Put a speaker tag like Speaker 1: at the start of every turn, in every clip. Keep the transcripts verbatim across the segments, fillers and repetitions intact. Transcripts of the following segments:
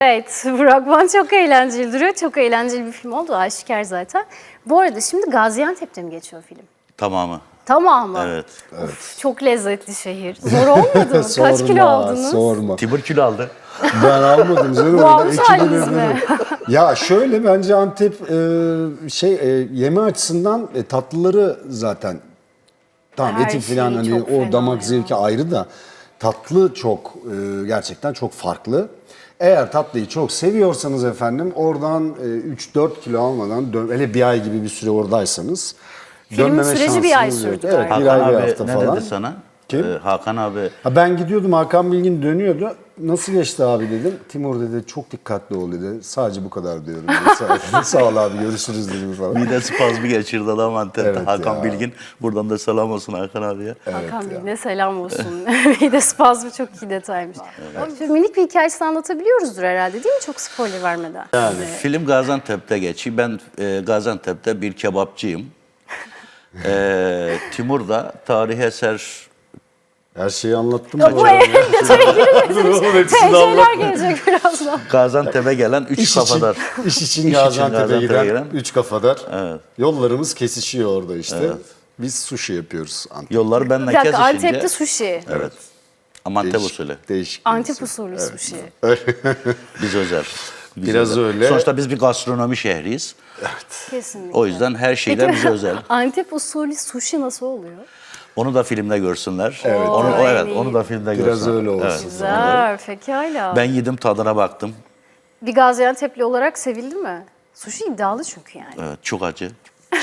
Speaker 1: Evet, fragman çok eğlenceli duruyor. Çok eğlenceli bir film oldu, aşikar zaten. Bu arada şimdi Gaziantep'te mi geçiyor film?
Speaker 2: Tamamı.
Speaker 1: Tamamı.
Speaker 2: Evet.
Speaker 1: Of, çok lezzetli şehir. Zor olmadı mı? Kaç kilo aldınız?
Speaker 3: Sorma.
Speaker 2: Timur kilo aldı.
Speaker 3: Ben almadım canım.
Speaker 1: Bu
Speaker 3: öyle
Speaker 1: almış
Speaker 3: ekibin
Speaker 1: haliniz
Speaker 3: ürünü.
Speaker 1: mi?
Speaker 3: Ya şöyle bence Antep e, şey e, yeme açısından e, tatlıları zaten tamam
Speaker 1: Her
Speaker 3: eti falan
Speaker 1: şeyi
Speaker 3: hani
Speaker 1: çok
Speaker 3: o
Speaker 1: fena
Speaker 3: damak
Speaker 1: ya.
Speaker 3: zevki ayrı da tatlı çok e, gerçekten çok farklı. Eğer tatlıyı çok seviyorsanız efendim oradan e, üç dört kilo almadan dön, hele bir ay gibi bir süre oradaysanız
Speaker 1: Filmin
Speaker 3: dönmeme
Speaker 1: süreci bir ay
Speaker 3: şansınız yok.
Speaker 1: sürdü
Speaker 3: Evet,
Speaker 1: galiba.
Speaker 3: bir
Speaker 2: Hakan
Speaker 3: ay bir
Speaker 2: abi
Speaker 3: hafta
Speaker 2: ne
Speaker 3: falan.
Speaker 2: dedi sana?
Speaker 3: Kim?
Speaker 2: Ee, Hakan abi.
Speaker 3: Ha ben gidiyordum Hakan Bilgin dönüyordu. Nasıl geçti abi dedim. Timur dedi çok dikkatli ol dedi. Sadece bu kadar diyorum dedi. Sağ, sağ ol abi görüşürüz dedim falan.
Speaker 2: Mide spazmı geçirdi adam Antep'te.
Speaker 3: Evet
Speaker 2: Hakan
Speaker 3: ya.
Speaker 2: Bilgin. Buradan da selam olsun Hakan abiye.
Speaker 1: Hakan Bey'ine selam olsun. Mide spazmı çok iyi detaymış. Ama şöyle minik bir hikayesini anlatabiliyoruzdur herhalde değil mi? Çok spoiler vermeden.
Speaker 2: Yani film Gaziantep'te geçiyor. Ben e, Gaziantep'te bir kebapçıyım. e, Timur da tarihi eser.
Speaker 3: Her şeyi anlattım.
Speaker 1: Ya bu evin detaya girmesin. T C'ler gelecek birazdan.
Speaker 2: Gaziantep'e gelen üç
Speaker 3: İş
Speaker 2: kafadar.
Speaker 3: için, iş için
Speaker 2: İş
Speaker 3: Gaziantep'e
Speaker 2: için
Speaker 3: giden,
Speaker 2: Gaziantep'e
Speaker 3: üç kafadar.
Speaker 2: Evet.
Speaker 3: Yollarımız kesişiyor orada işte. Biz sushi yapıyoruz Antep'te.
Speaker 2: Yollar
Speaker 1: Bir
Speaker 2: benimle
Speaker 1: dakika,
Speaker 2: kesişince.
Speaker 1: Antep'te sushi.
Speaker 2: Evet. Ama Antep
Speaker 3: Değişik-
Speaker 2: usulü.
Speaker 3: Değişik. bir
Speaker 1: Antep
Speaker 3: usul.
Speaker 1: usulü sushi.
Speaker 2: Biz özel. Biz
Speaker 3: Biraz öyle.
Speaker 2: Sonuçta biz bir gastronomi şehriyiz.
Speaker 1: Kesinlikle.
Speaker 2: O yüzden her şeyden bize özel.
Speaker 1: Antep usulü sushi nasıl oluyor?
Speaker 2: Onu da filmde görsünler.
Speaker 3: Evet.
Speaker 2: Onu, o,
Speaker 1: Ay,
Speaker 2: evet,
Speaker 1: iyi.
Speaker 2: onu da filmde
Speaker 3: Biraz
Speaker 2: görsünler.
Speaker 3: öyle olsun.
Speaker 2: Evet.
Speaker 1: Güzel, pekala.
Speaker 2: Ben yedim, tadına baktım.
Speaker 1: Bir Gaziantep'li olarak sevildi mi? Sushi iddialı çünkü yani.
Speaker 2: Evet, çok acı.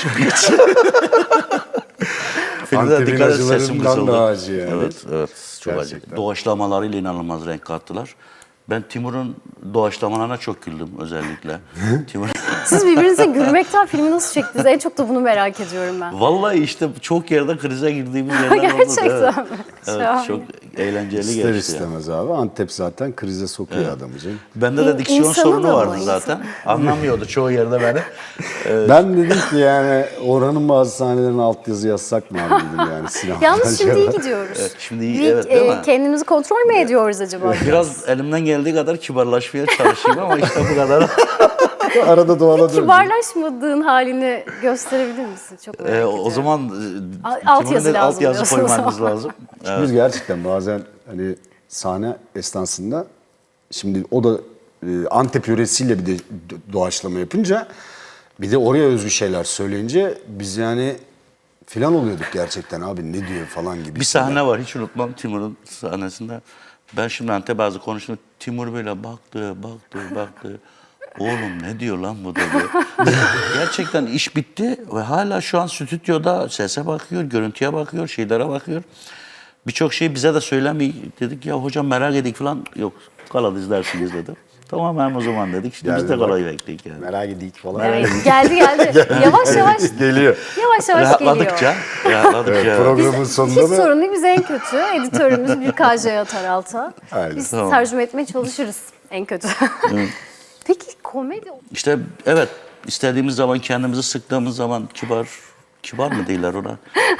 Speaker 2: Filmde
Speaker 3: Antep'in
Speaker 2: dikkat et, sesim
Speaker 3: acılarından
Speaker 2: kısıldı.
Speaker 3: daha acı yani.
Speaker 2: Evet, evet. Çok
Speaker 3: Gerçekten.
Speaker 2: acı. Doğaçlamalarıyla inanılmaz renk kattılar. Ben Timur'un doğaçlamalarına çok güldüm özellikle. Timur...
Speaker 1: Siz birbirinize gülmekten filmi nasıl çektiniz? En çok da bunu merak ediyorum ben.
Speaker 2: Vallahi işte çok yerde krize girdiğimiz yerler oldu.
Speaker 1: Gerçekten
Speaker 2: Evet.
Speaker 1: mi?
Speaker 2: Evet,
Speaker 1: Şahane.
Speaker 2: çok eğlenceli
Speaker 3: İster
Speaker 2: geçti. yani.
Speaker 3: istemez abi. Antep zaten krize sokuyor adamı canım.
Speaker 2: Bende de
Speaker 1: İn-
Speaker 2: diksiyon
Speaker 1: insanı
Speaker 2: sorunu
Speaker 1: da bu,
Speaker 2: vardı
Speaker 1: insan.
Speaker 2: zaten. Anlamıyordu çoğu yerde beni.
Speaker 3: Ben dedim ki yani oranın bazı sahnelerine altyazı yazsak mı abi dedim yani sinema.
Speaker 1: Yalnız şimdi iyi gidiyoruz.
Speaker 2: Evet, şimdi iyi,
Speaker 1: Bir,
Speaker 2: evet değil
Speaker 1: e,
Speaker 2: mi?
Speaker 1: kendimizi kontrol mü ediyoruz acaba?
Speaker 2: Biraz elimden geldiği kadar kibarlaşmaya çalışayım ama işte bu kadar.
Speaker 3: Arada doğala döndüm.
Speaker 1: Kibarlaşmadığın halini gösterebilir misin? Çok merak
Speaker 2: Ee,
Speaker 1: ediyorum.
Speaker 2: o zaman
Speaker 1: Al-
Speaker 2: e,
Speaker 1: altyazı
Speaker 2: Timur'un da
Speaker 1: lazım
Speaker 2: altyazı
Speaker 1: diyorsun o
Speaker 2: koymanız
Speaker 1: zaman.
Speaker 2: lazım.
Speaker 3: Biz gerçekten bazen hani sahne esnasında şimdi o da e, Antep yöresiyle bir de doğaçlama yapınca bir de oraya özgü şeyler söyleyince biz yani filan oluyorduk gerçekten abi ne diyor falan gibi.
Speaker 2: Bir sahne var hiç unutmam Timur'un sahnesinde. Ben şimdi Antep bazı konuştum. Timur böyle baktı, baktı, baktı. Oğlum ne diyor lan bu dedi. Gerçekten iş bitti ve hala şu an stüdyoda sese bakıyor, görüntüye bakıyor, şeylere bakıyor. Birçok şey bize de söylemiyor. Dedik ya hocam merak edik falan. Yok kala izlersiniz dedi. Tamam hem o zaman dedik. İşte biz de
Speaker 3: Geldi bak.
Speaker 2: kalayı bekledik yani.
Speaker 3: Merak edik falan.
Speaker 1: Evet, geldi geldi. Yavaş yavaş
Speaker 3: Geliyor.
Speaker 1: yavaş yavaş geliyor.
Speaker 2: Rahatladıkça, rahatladıkça.
Speaker 3: Programın
Speaker 1: Hiç
Speaker 3: sonunda da
Speaker 1: sorun değil. Biz en kötü. Editörümüz bir K J'ye atar alta.
Speaker 3: Aynen.
Speaker 1: Biz
Speaker 2: Tamam.
Speaker 1: tercüme etmeye çalışırız en kötü. Peki komedi...
Speaker 2: İşte evet istediğimiz zaman kendimizi sıktığımız zaman kibar, kibar mı değiller ona?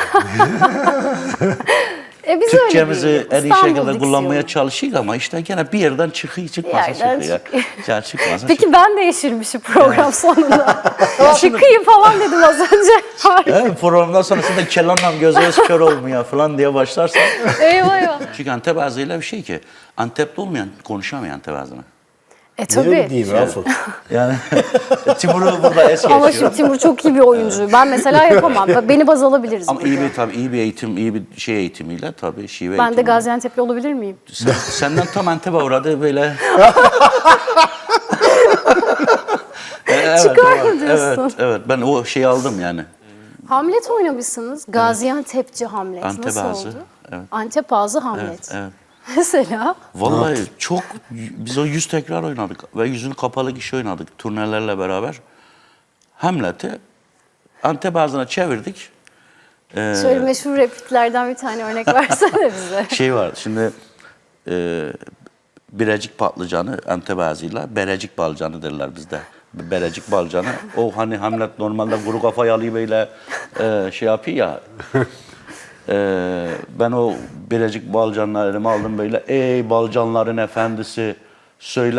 Speaker 1: E biz
Speaker 2: Türkçemizi
Speaker 1: öyle
Speaker 2: en iyi
Speaker 1: değiliz. İstanbul
Speaker 2: şekilde kullanmaya
Speaker 1: diksiyonu.
Speaker 2: çalışıyoruz ama işte gene bir yerden çıkıyor çıkmasa
Speaker 1: yerden
Speaker 2: çıkıyor.
Speaker 1: çıkıyor.
Speaker 2: Ya çıkmasa
Speaker 1: Peki ben de yeşilmişim program sonunda. Çıkayım falan dedim az önce. Harika.
Speaker 2: Evet, programdan sonrasında kelanla gözünüz kör olmuyor falan diye başlarsan.
Speaker 1: Eyvah eyvah.
Speaker 2: Çünkü Antep ağzıyla bir şey ki Antep'te olmayan konuşamıyor Antep ağzını.
Speaker 1: E
Speaker 3: ne öyle
Speaker 1: tabii.
Speaker 3: değil Rafet?
Speaker 2: Yani Timur'u burada es
Speaker 1: Ama
Speaker 2: geçiyor.
Speaker 1: şimdi Timur çok iyi bir oyuncu. Ben mesela yapamam. Beni baz alabiliriz
Speaker 2: Ama
Speaker 1: burada.
Speaker 2: iyi bir tabii iyi bir eğitim, iyi bir şey eğitimiyle tabii şive
Speaker 1: Ben de
Speaker 2: eğitimiyle.
Speaker 1: Gaziantep'li olabilir miyim?
Speaker 2: Sen, senden tam Antep'e uğradı böyle. evet,
Speaker 1: Çıkar mı
Speaker 2: evet,
Speaker 1: diyorsun?
Speaker 2: Evet, evet. Ben o şeyi aldım yani.
Speaker 1: Hamlet oynamışsınız. Gaziantep'ci Hamlet.
Speaker 2: Antep
Speaker 1: Nasıl
Speaker 2: ağzı,
Speaker 1: oldu?
Speaker 2: evet.
Speaker 1: Antep ağzı Hamlet.
Speaker 2: Evet, evet.
Speaker 1: Mesela
Speaker 2: Vallahi çok, biz o yüz tekrar oynadık ve yüzün kapalı kişi oynadık turnelerle beraber. Hamlet'i Antep ağzına çevirdik. Ee,
Speaker 1: şöyle meşhur repliklerden bir tane örnek versene bize.
Speaker 2: şey var şimdi e, Birecik patlıcanı Antep ağzıyla Berecik balcanı derler bizde. Berecik balcanı. O hani Hamlet normalde kuru kafayı alayım böyle e, şey yapıyor ya. e, ben o Birecik balcanları elime aldım böyle. Ey balcanların efendisi söyle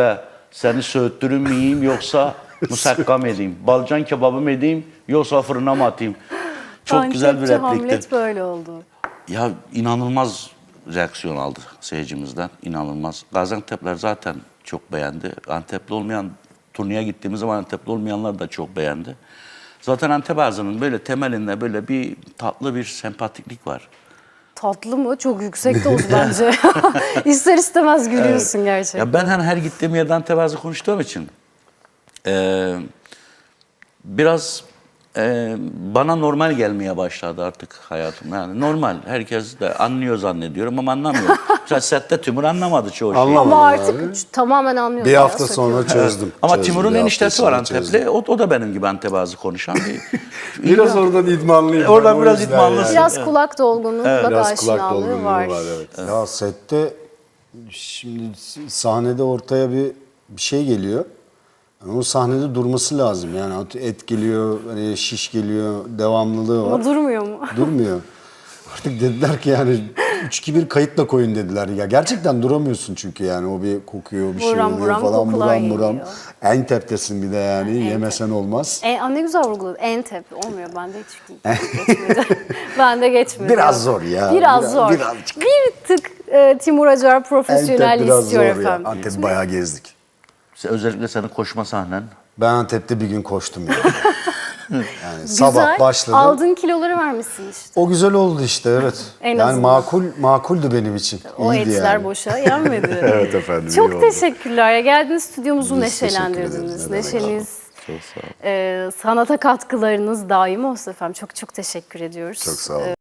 Speaker 2: Seni söğüttürüm mü yiyeyim yoksa musakkam edeyim? Balcan kebabı mı edeyim yoksa fırına mı atayım? Çok güzel bir
Speaker 1: Antepçi
Speaker 2: replikti.
Speaker 1: Hamlet böyle oldu.
Speaker 2: Ya inanılmaz reaksiyon aldı seyircimizden. İnanılmaz. Gaziantep'ler zaten çok beğendi. Antepli olmayan, turneye gittiğimiz zaman Antepli olmayanlar da çok beğendi. Zaten Antep ağzının böyle temelinde böyle bir tatlı bir sempatiklik var.
Speaker 1: Tatlı mı? Çok yüksek doz bence. İster istemez gülüyorsun gerçekten.
Speaker 2: Ya ben hani her gittiğim yerde Antep ağzı konuştuğum için eee, biraz eee, bana normal gelmeye başladı artık hayatım. Yani normal. Herkes de anlıyor zannediyorum ama anlamıyor. Mesela sette Timur anlamadı çoğu şeyi.
Speaker 3: Anlamadı.
Speaker 1: Ama
Speaker 3: Abi.
Speaker 1: artık üç- tamamen anlıyorum.
Speaker 3: Bir
Speaker 1: ya,
Speaker 3: hafta
Speaker 1: söküyorum.
Speaker 3: sonra çözdüm.
Speaker 2: Ama
Speaker 3: Çözdüm.
Speaker 2: Timur'un
Speaker 3: Bir hafta
Speaker 2: eniştesi var
Speaker 3: sonra çözdüm.
Speaker 2: Antepli. O, o da benim gibi Antep ağzı konuşan bir...
Speaker 3: Biraz oradan idmanlıyım.
Speaker 2: Oradan
Speaker 3: ben, o
Speaker 2: biraz
Speaker 3: yüzden
Speaker 2: idmanlısın.
Speaker 1: Biraz kulak dolgunluğuyla da
Speaker 3: Biraz kulak
Speaker 1: aşinalığı
Speaker 3: dolgunluğu
Speaker 1: var.
Speaker 3: var. Evet. Ya sette şimdi sahnede ortaya bir bir şey geliyor. Yani o sahnede durması lazım. Yani et geliyor, hani şiş geliyor, devamlılığı var.
Speaker 1: Ama durmuyor mu?
Speaker 3: Durmuyor. Artık dediler ki yani üç iki bir kayıtla koyun dediler. Ya gerçekten duramıyorsun çünkü yani o bir kokuyor, bir şey
Speaker 1: Buram
Speaker 3: oluyor
Speaker 1: buram
Speaker 3: falan
Speaker 1: kokular
Speaker 3: buram buram.
Speaker 1: geliyor.
Speaker 3: En teptesin bir de yani yemesen olmaz.
Speaker 1: E, aa, ne güzel vurguladın. Entep olmuyor. Bende hiç geçmedi. Bende geçmedi.
Speaker 3: Biraz zor ya.
Speaker 1: Biraz,
Speaker 3: Biraz-
Speaker 1: zor.
Speaker 3: birazcık.
Speaker 1: Bir tık e, Timur Acar
Speaker 3: Antep
Speaker 1: profesyonel
Speaker 3: biraz
Speaker 1: istiyor
Speaker 3: zor
Speaker 1: efendim.
Speaker 3: ya. Antep bayağı gezdik.
Speaker 2: Özellikle senin koşma sahnen.
Speaker 3: Ben Antep'te bir gün koştum yani. Yani
Speaker 1: Güzel.
Speaker 3: sabah başladım.
Speaker 1: Aldığın kiloları vermişsin işte.
Speaker 3: O güzel oldu işte evet.
Speaker 1: En
Speaker 3: yani
Speaker 1: azından.
Speaker 3: makul makuldü benim için.
Speaker 1: O
Speaker 3: İyiydi
Speaker 1: etler
Speaker 3: yani.
Speaker 1: boşa yenmedi.
Speaker 3: Evet efendim. iyi
Speaker 1: Çok
Speaker 3: oldu.
Speaker 1: teşekkürler. Ya geldiniz stüdyomuzu
Speaker 3: Biz teşekkür
Speaker 1: neşelendirdiniz.
Speaker 3: ederiz. Ne demek.
Speaker 1: Neşeniz,
Speaker 2: Çok sağ ol.
Speaker 1: e, sanata katkılarınız daim olsun efendim. Çok çok teşekkür ediyoruz.
Speaker 3: Çok sağ olun.